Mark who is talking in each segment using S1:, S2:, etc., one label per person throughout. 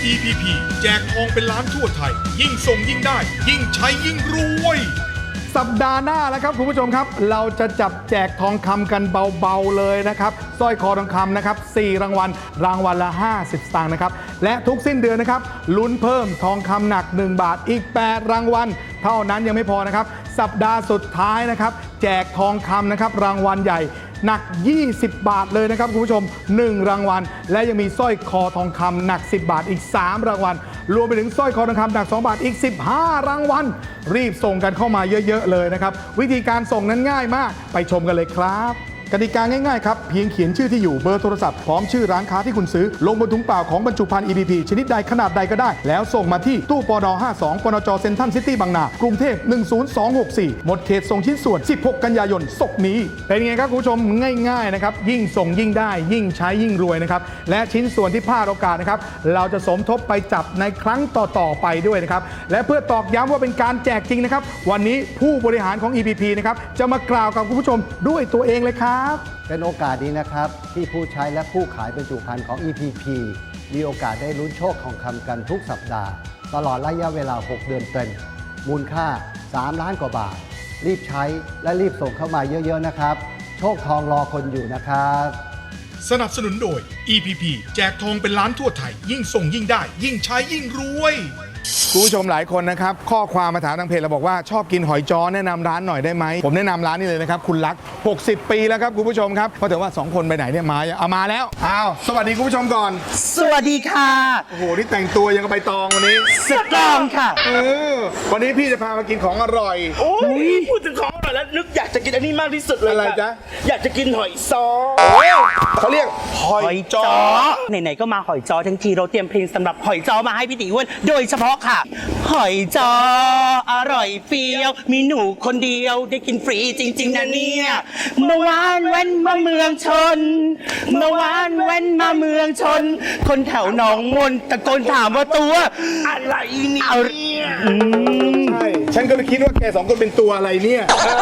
S1: EPP แจกทองเป็นล้านทั่วไทยยิ่งส่งยิ่งได้ยิ่งใช้ยิ่งรวยสัปดาห์หน้าแล้วครับคุณผู้ชมครับเราจะจับแจกทองคำกันเบาๆเลยนะครับสร้อยคอทองคำนะครับ4รางวัลรางวัลละ50สตางค์นะครับและทุกสิ้นเดือนนะครับลุ้นเพิ่มทองคำหนัก1บาทอีก8รางวัลเท่านั้นยังไม่พอนะครับสัปดาห์สุดท้ายนะครับแจกทองคำนะครับรางวัลใหญ่หนัก20บาทเลยนะครับคุณผู้ชม1รางวัลและยังมีสร้อยคอทองคำหนัก10บาทอีก3รางวัลรวมไปถึงสร้อยคอทองคำหนัก2บาทอีก15รางวัลรีบส่งกันเข้ามาเยอะๆเลยนะครับวิธีการส่งนั้นง่ายมากไปชมกันเลยครับกติกาง่ายๆครับเพียงเขียนชื่อที่อยู่เบอร์โทรศัพท์พร้อมชื่อร้านค้าที่คุณซื้อลงบนถุงเปล่าของบรรจุภัณฑ์ EPP ชนิดใดขนาดใดก็ได้แล้วส่งมาที่ตู้ปน52ปนจเซ็นทรัลซิตี้บางนากรุงเทพ10264หมดเขตส่งชิ้นส่วน16กันยายนศกนี้เป็นไงครับคุณผู้ชมง่ายๆนะครับยิ่งส่งยิ่งได้ยิ่งใช้ยิ่งรวยนะครับและชิ้นส่วนที่พลาดโอกาสนะครับเราจะสมทบไปจับในครั้งต่อๆไปด้วยนะครับและเพื่อตอกย้ำว่าเป็นการแจกจริงนะครับวันนี้ผู้บริหารของ EPP นะครับจะมากล่าวกับคุณผู้ชมด้วยตัวเองเลยครับ
S2: เป็นโอกาสนี้นะครับที่ผู้ใช้และผู้ขายบรรจุภัณฑ์ของ EPP มีโอกาสได้ลุ้นโชคทองคำกันทุกสัปดาห์ตลอดระยะเวลา6เดือนเต็มมูลค่า3ล้านกว่าบาทรีบใช้และรีบส่งเข้ามาเยอะๆนะครับโชคทองรอคนอยู่นะครับ
S1: สนับสนุนโดย EPP แจกทองเป็นล้านทั่วไทยยิ่งส่งยิ่งได้ยิ่งใช้ยิ่งรวยคุณผู้ชมหลายคนนะครับข้อความมาถามทางเพจเราบอกว่าชอบกินหอยจ้อแนะนำร้านหน่อยได้ไหมผมแนะนำร้านนี้เลยนะครับคุณลักษณ์60 ปีแล้วครับคุณผู้ชมครับเพราะแต่ว่า2คนไปไหนเนี่ยมาเอามาแล้วอ้าวสวัสดีคุณผู้ชมก่อน
S3: สวัสดีค่ะ
S1: โอ้โหนี่แต่งตัวยังกับใบตองวันนี้
S3: สตรองค่ะ
S1: วันนี้พี่จะพามากินของอร่อย
S4: โอ้ยพูดถึงของอร่อยแล้วนึกอยากจะกินอันนี้มากที่สุดเลย
S1: อะไรจ๊ะ
S4: อยากจะกินหอยจ้อ
S1: เขาเรียกหอยจ้อ
S3: ไหนๆก็มาหอยจ้อทั้งทีเราเตรียมเพลงสำหรับหอยจ้อมาให้พี่ติ๋วโดยเฉพาะค่ะหอยจ้ออร่อยเฟี้ยวมีหนูคนเดียวได้กินฟรีจริงๆนะเนี่ยเมื่อวานแว้นมาเมืองชนเมื่อวานแว้นมาเมืองชนคนแถวหนองมนตะโกนถามว่าตัว
S4: อะไรเนี่ย
S1: ใช่ฉันก็เลยคิดว่าแกสองคนเป็นตัวอะไรเนี่ย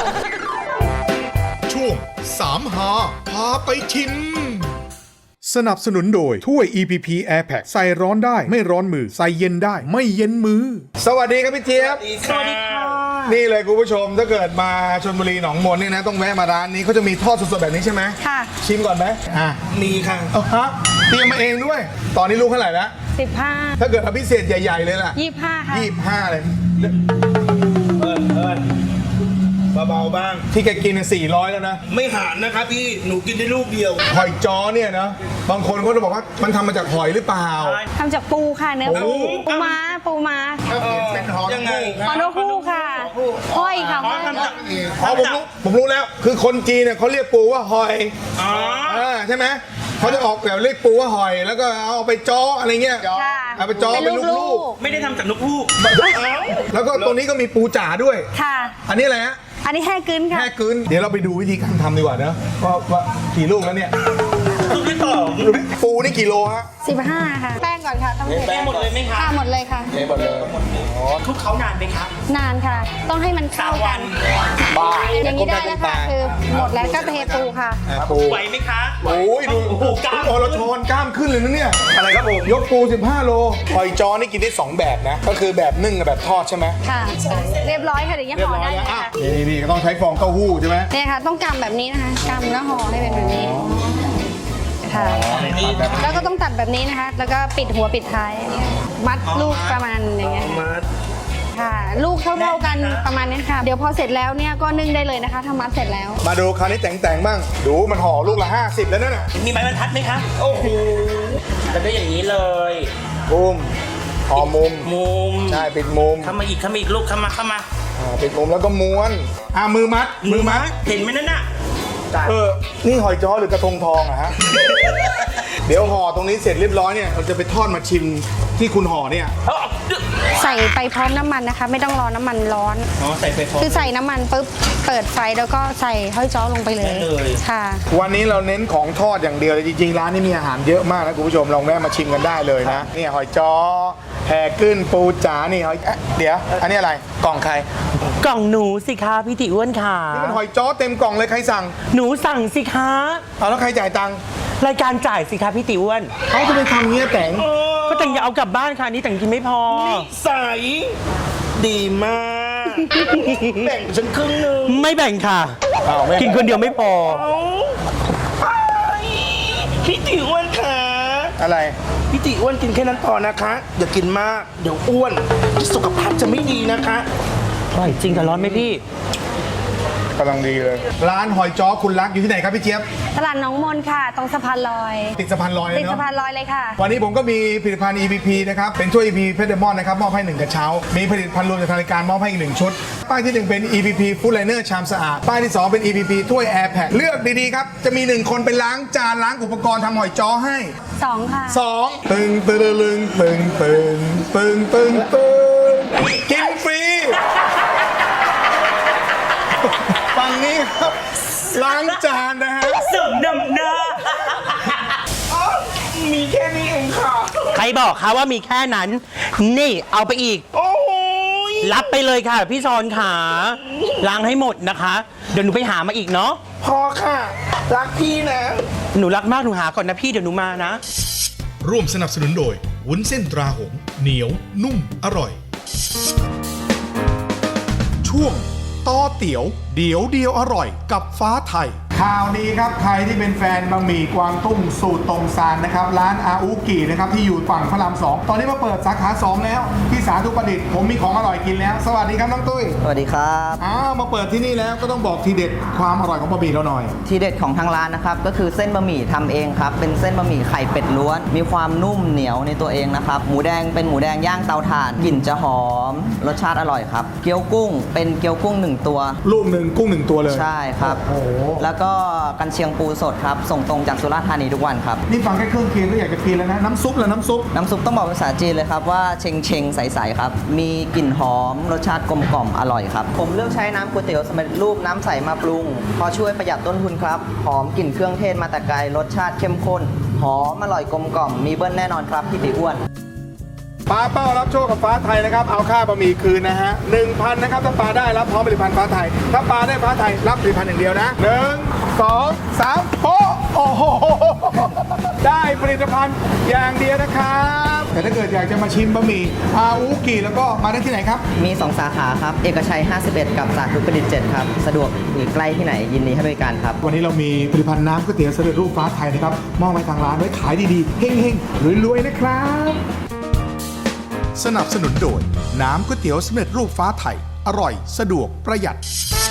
S1: ช่วง3หาพาไปชิมสนับสนุนโดยถ้วย EPP Air Pack ใส่ร้อนได้ไม่ร้อนมือใส่เย็นได้ไม่เย็นมือสวัสดีครับพี่เจี๊ยบ
S3: สวัสดีค่ะ
S1: นี่เลยคุณผู้ชมถ้าเกิดมาชลบุรีหนองมนนี่นะต้องแวะมาร้านนี้เขาจะมีทอดสดๆแบบนี้ใช่ไหม
S5: ค่ะ
S1: ชิมก่อนไหม
S4: มีค่ะ
S1: ฮะเตรียมมาเองด้วยตอนนี้ลูกเท่าไหร่แล้ว
S5: 15
S1: ถ้าเกิดอภิเษกใหญ่ๆเลยล่ะ
S5: 25ค่ะ
S1: 25เลย
S4: เบาๆบ้าง
S1: ที่แกกิน400แล้วนะ
S4: ไม่หารนะครับพี่หนูกินได้ลูกเดียว
S1: หอยจ้อเนี่ยนะบางคนเขาจะบอกว่ามันทำมาจากหอยหรือเปล่า
S5: ทำจากปูค่ะเนื้อปูม้า
S1: เป็นหอย
S4: ยังไง
S5: หอยนกฮูกค่ะห้อยค่ะห้อย
S1: ผมรู้แล้วคือคนจีนเนี่ยเขาเรียกปูว่าหอยใช่ไหมเขาจะออกแบบเรียกปูว่าหอยแล้วก็เอาไปจ้ออะไรเงี้ยเอาไปจ้อเป็นลูก
S4: ไม่ได้ทำจากนกฮูก
S1: แล้วก็ตรงนี้ก็มีปูจ๋าด้วย
S5: ค่ะ
S1: อันนี้อะไรฮะ
S5: อันนี้แห่กึนค่ะ
S1: แห่กึนเดี๋ยวเราไปดูวิธีการทำดีกว่านะว่ากี่ลูกแล้วเนี่ย
S4: ลูกที่สอง
S1: ปูนี่กี่โลฮะ
S5: 15ค่ะแป้งก่อนค่ะต้อง
S4: แป้งหมดเลยไหมคะ
S5: หมดเลยค่ะ
S1: หมดเลย
S4: คลุกเขานานไหมครับ
S5: นานค่ะต้องให้มันเข้ากันอย่างนี้ได้แล้วค่ะคือหมดแล้วก็เทปูค่ะ
S1: ปู
S4: ไหวไหมคะ
S1: โอ้ยดูกล้ามเราชนกล้ามขึ้นเลยนะเนี่ยอะไรครับผมยกปู15โลหอยจ้อนี่กินได้2แบบนะก็คือแบบนึ่งกับแบบทอดใช่ไหม
S5: ค่ะเรียบร้อยค่ะเดี๋ยวยังห่อได้เลยค่ะ
S1: นี่ก็ต้องใช้ฟองเต้าหู้ใช่ไหม
S5: เนี่ยค่ะต้องกำแบบนี้นะคะกำแล้วห่อให้เป็นแบบนี้ค่ะแล้วก็ต้องตัดแบบนี้นะคะแล้วก็ปิดหัวปิดท้ายมัดลูกประมาณอย่างเงี้ยค่ะลูกเท่ากันประมาณนี้ค่ะเดี๋ยวพอเสร็จแล้วเนี่ยก็นึ่งได้เลยนะคะทำมัดเสร็จแล้ว
S1: มาดูคราวนี้แต่งบ้างดูมันห่อลูกละ50แล้วนั่นน่ะ
S4: มีไม้บรรทัดไหมคะโอ้โหแล้วก็อย่างนี้เลย
S1: มุมห่อมุมใช่ปิดมุม
S4: เข้ามาอีกลูกเข้ามา
S1: ปิดมุมแล้วก็ม้วนมือมัด
S4: เห็นไหมนั่นน่ะ
S1: นี่หอยจ้อหรือกระทงทองอะฮะ เดี๋ยวห่อตรงนี้เสร็จเรียบร้อยเนี่ยเราจะไปทอดมาชิมที่คุณห่อเนี่ย
S5: ใส่ไปพร้อมน้ำมันนะคะไม่ต้องรอน้ำมันร้อน
S4: ใส่ไปพร้อม
S5: คือใส่น้ำมันปุ๊บเปิดไฟแล้วก็ใส่หอยจ้อลงไปเลยค่ะ
S1: วันนี้เราเน้นของทอดอย่างเดียวเลยจริงๆร้านนี้มีอาหารเยอะมากนะคุณผู้ชมลองแวะมาชิมกันได้เลยนะนี่หอยจ้อแห่กึ้นปูจ๋านี่หอยเดี๋ยวอันนี้อะไรกล่องใคร
S3: กล่องหนูสิคะพี่ติ๋วอ้วนค่ะ
S1: นี่มันหอยจ้อเต็มกล่องเลยใครสั่ง
S3: หนูสั่งสิคะ
S1: แล้วใครจ่ายตังค์
S3: รายการจ่ายสิคะพี่ติ๋วอ้วน
S1: เขาจะไปทำเงี้ยแต่ง
S3: กก็แต่งอย่าเอากลับบ้านค่ะอันนี่แต่งกินไม่พอ
S4: ใสดีมาก แบ่งฉันครึ่งหนึง
S3: ไม่แบ่งค่ะ
S1: อ้าวไม่
S3: กินคนเดียวไม่พอ
S4: เอาไปพี่ติอ้วนค่ะ
S1: อะไร
S4: พี่ติอ้วนกินแค่นั้นพอนะคะอย่ากินมากเดี๋ยวอ้วนสุขภาพจะไม่ดีนะคะ
S3: อร่อยจริงแต่ร้อนไหมพี่
S1: กำลังดีเลย ร้านหอยจ้อคุณรักอยู่ที่ไหนครับพี่เจี๊ยบ
S5: ตลาดหน้องมนค่ะ ตรงสะพานลอย
S1: ติดสะพานลอยเล
S5: ติ
S1: ย
S5: ด
S1: เนาะ
S5: สะพานลอยเลยค่ะ
S1: วันนี้ผมก็มีผลิตภัณฑ์ EPP นะครับ เป็นถ้วย EPP เพชรเดมอนนะครับ มอบให้ 1 กระเช้า มีผลิตภัณฑ์รวมจากทางรายการมอบให้อีก 1 ชุด ป้ายที่ 1 เป็น EPP Food Liner ชามสะอาด ป้ายที่ 2 เป็น EPP ถ้วย Air Pack เลือกดีๆครับ จะมี 1 คนไปล้างจานล้างอุปกรณ์ทำหอยจ้อให้
S5: 2 ค่ะ
S1: 2 ตึงตึงตึงตึงตึงตึงตึงตึงกินฟรี ฝั่งนี้ครับ ล้างจานนะฮะ
S3: สมน้ำหน้า
S4: มีแค่นี้เองค่ะ
S3: ใครบอกคะว่ามีแค่นั้น นี่เอาไปอีก
S4: โอ้โหย
S3: รับไปเลยค่ะ พี่ซอนขาล้างให้หมดนะคะ เดี๋ยวหนูไปหามาอีกเนาะ
S4: พอค่ะ รักพี่นะ
S3: หนูรักมากหนูหาก่อนนะพี่เดี๋ยวหนูมานะ
S1: ร่วมสนับสนุนโดย วุ้นเส้นตราหงส์เหนียว นุ่ม อร่อย ช่วงต่อเตี๋ยว เดี๋ยวเดียวอร่อยกับฟ้าไทย ข่าวนี้ครับ ใครที่เป็นแฟนบะหมี่กวางตุ้งสูตรตรงซานนะครับ ร้านอาอุกินะครับ ที่อยู่ฝั่งพระราม 2 ตอนนี้มาเปิดสาขา 2 แล้ว ที่สาธุประดิษฐ์ผมมีของอร่อยกินแล้ว สวัสดีครับน้องตุ้ย
S6: สวัสดีครับ
S1: อ้าวมาเปิดที่นี่แล้วก็ต้องบอกทีเด็ดความอร่อยของบะหมี่เราหน่อย
S6: ทีเด็ดของทางร้านนะครับก็คือเส้นบะหมี่ทำเองครับเป็นเส้นบะหมี่ไข่เป็ดล้วน มีความนุ่มเหนียวในตัวเองนะครับหมูแดงเป็นหมูแดงย่างเตาถ่านกลิ่นจะหอมรสชาติอร่อยครับเกี๊ยวกุ้งเป็นเกี๊ยวกุ้ง1ตัว
S1: ลูกหนึ่งกุ้ง 1 ตัวเลย
S6: ใช่ครับ
S1: โอ้โห
S6: แล้วก็กันเชียงปูสดครับส่งตรงจากสุราษฎร์ธานีทุกวันครับ
S1: นี่ฟังแค่เครื่องเคียงก็อยากจะกินแล้วนะ น้ำซุปแล้วน้ำซุป
S6: น้ำซุปต้องบอกเป็นภาษาจีนเลยครับว่าเชงเชงใสๆครับมีกลิ่นหอมรสชาติกลมกล่อมอร่อยครับผมเลือกใช้น้ำก๋วยเตี๋ยวสำเร็จรูปน้ำใสมาปรุงเพราะช่วยประหยัดต้นทุนครับหอมกลิ่นเครื่องเทศมาแต่ไกลรสชาติเข้มข้นหอมอร่อยกลมกล่อมมีเบิ้ลแน่นอนครับพี่ติอ้วน
S1: ปลาเป้ารับโชคกับฟ้าไทยนะครับ เอาค่าบะหมี่คืนนะฮะ 1,000 นะครับ ถ้าปลาได้รับพร้อมผลิตภัณฑ์ฟ้าไทย ถ้าปลาได้ฟ้าไทยรับผลิตภัณฑ์อย่างเดียวนะ 1 2 3โอ้โห ได้ผลิตภัณฑ์อย่างเดียวนะครับ แต่ถ้าเกิดอยากจะมาชิมบะหมี่อาอูกิแล้วก็มาได้ที่ไหนครับ
S6: มี 2 สาขาครับ เอกชัย 51 กับสาธุประดิษฐ์ 7 ครับ สะดวกหรือใกล้ที่ไหนยินดีให้บริการครับ
S1: วันนี้เรามีผลิตภัณฑ์น้ำก๋วยเตี๋ยวสำเร็จรูปฟ้าไทยนะครับ มอบให้ทางร้านไว้ขายดีๆ เฮ้งๆ รวยๆ นะครับ สนับสนุนโดยน้ำก๋วยเตี๋ยวสำเร็จรูปฟ้าไทย อร่อย สะดวก ประหยัด